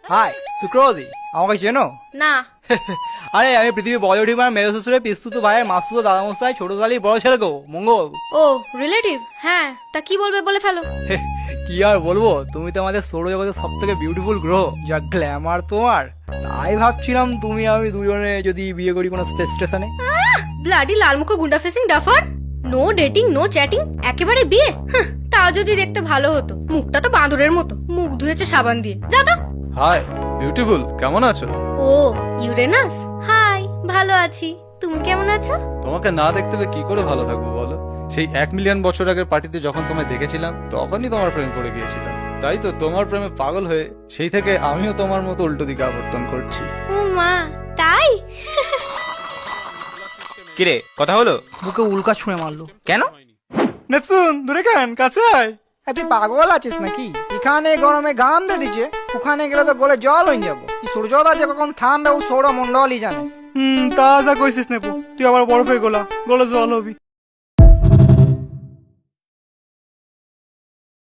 High সুক্রবতী, আমাকে চেনো? না। আরে আমি পৃথিবী বয়োডিমার মেয়ে শ্বশুরের পিস্তুত ভাইয়ের মাসুতো দাদামশাই ছোট কালী বড় ছেলে গো, মঙ্গল। ও রিলেটিভ, হ্যাঁ তা কি বলবে বলে ফেলো। কি আর বলবো, তুমি তো আমাদের সৌরজগতের সব থেকে বিউটিফুল গ্রহ, যা গ্ল্যামার তোমার। তাই ভাবছিলাম তুমি আমি দুজনে যদি বিয়ে করি কোনো স্পেস স্টেশনে। ব্লাডি লালমুখো গুন্ডা facing duffer. No dating no chatting, একেবারে বিয়ে। তাও যদি দেখতে ভালো হতো, মুখটা তো বাঁদরের মতো, মুখ ধুয়েছে সাবান দিয়ে। যা তো। হাই বিউটিফুল, কেমন আছো? ও ইউরেনাস, হাই ভালো আছি, তুমি কেমন আছো? তোমাকে না দেখতে পেয়ে কি করে ভালো থাকবো বলো? সেই 1 মিলিয়ন বছর আগের পার্টিতে যখন তোমায় দেখেছিলাম তখনই তোমার প্রেম পড়ে গিয়েছিলাম। তাই তো তোমার প্রেমে পাগল হয়ে সেই থেকে আমিও তোমার মতো উল্টো দিকে আবর্তন করছি। ও মা, তাই? কিরে কথা হলো? বুকে উল্কা ছুঁড়ে মারলো। কেন? নেপসুন দূরে কেন, কাছে আয়। তুই পাগল আছিস নাকি? এখানে গরমে গান দিয়ে দিচ্ছে, ওখানে গেলে তো গলে জল হয়ে যাবো। এই সূর্যোদা যে কখন থামবে ও সৌরমন্ডলই জানে। তা যা কইছিস নেপু, তুই আবার বরফের গোলা, গলে জল হবি।